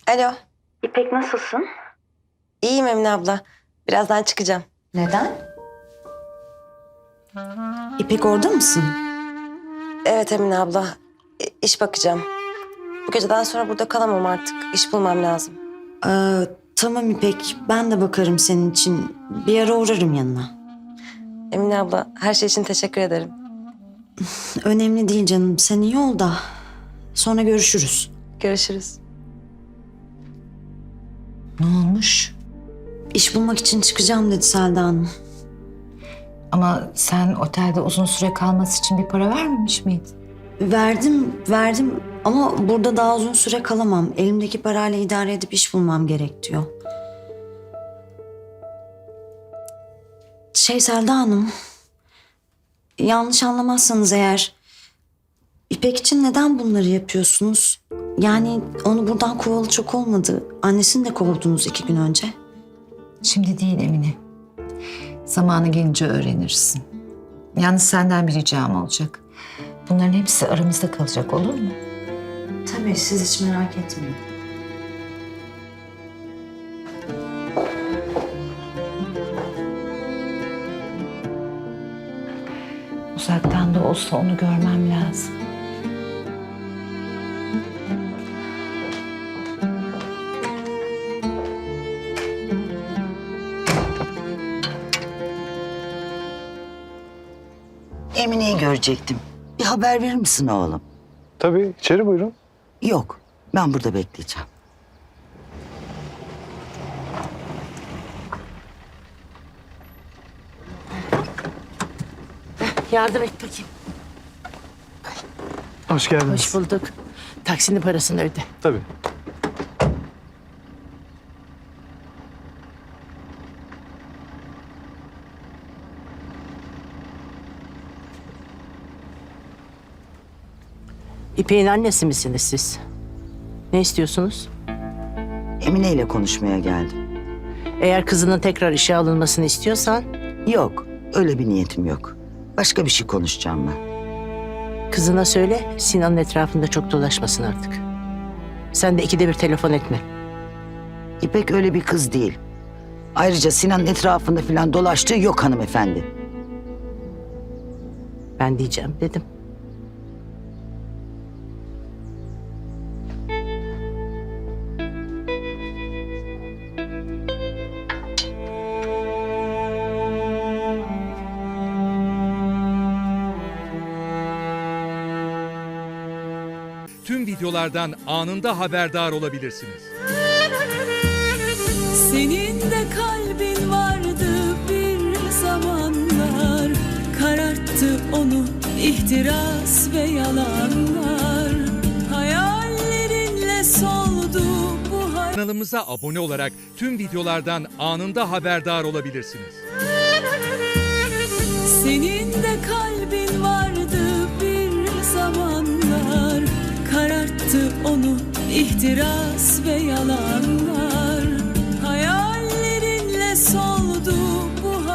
Alo. İpek nasılsın? İyiyim Emine abla. Birazdan çıkacağım. Neden? İpek orada mısın? Evet Emine abla. İş bakacağım. Bu geceden sonra burada kalamam artık. İş bulmam lazım. Tamam İpek, ben de bakarım senin için. Bir ara uğrarım yanına. Emine abla her şey için teşekkür ederim. Önemli değil canım, sen iyi ol da. Sonra görüşürüz. Görüşürüz. Ne olmuş? İş bulmak için çıkacağım dedi Selda Hanım. Ama sen otelde uzun süre kalması için bir para vermemiş miydin? Verdim ama burada daha uzun süre kalamam. Elimdeki parayla idare edip iş bulmam gerek diyor. Selda Hanım, yanlış anlamazsanız eğer, İpek için neden bunları yapıyorsunuz? Yani onu buradan kovalı çok olmadı. Annesini de kovdunuz 2 gün önce. Şimdi değil Emine. Zamanı gelince öğrenirsin. Yalnız senden bir ricam olacak. Bunların hepsi aramızda kalacak, olur mu? Tabii, siz hiç merak etmeyin. Uzaktan da olsa onu görmem lazım. Emine'yi görecektim. Bir haber verir misin oğlum? Tabii, içeri buyurun. Yok, ben burada bekleyeceğim. Yardım et bakayım. Hoş geldiniz. Hoş bulduk. Taksinin parasını öde. Tabii. İpek'in annesi misiniz siz? Ne istiyorsunuz? Emine ile konuşmaya geldim. Eğer kızının tekrar işe alınmasını istiyorsan... Yok, öyle bir niyetim yok. Başka bir şey konuşacağım ben. ...kızına söyle Sinan'ın etrafında çok dolaşmasın artık. Sen de 2'de 1 telefon etme. İpek öyle bir kız değil. Ayrıca Sinan'ın etrafında falan dolaştığı yok hanımefendi. Ben diyeceğim dedim. Tüm videolardan anında haberdar olabilirsiniz. Senin de kalbin vardı bir zamanlar, kararttı onu ihtiras ve yalanlar. Hayallerinle soldu bu Kanalımıza abone olarak tüm videolardan anında haberdar olabilirsiniz. Senin de kalbin vardı bir zamanlar, kararttı onu ihtiras ve yalanlar.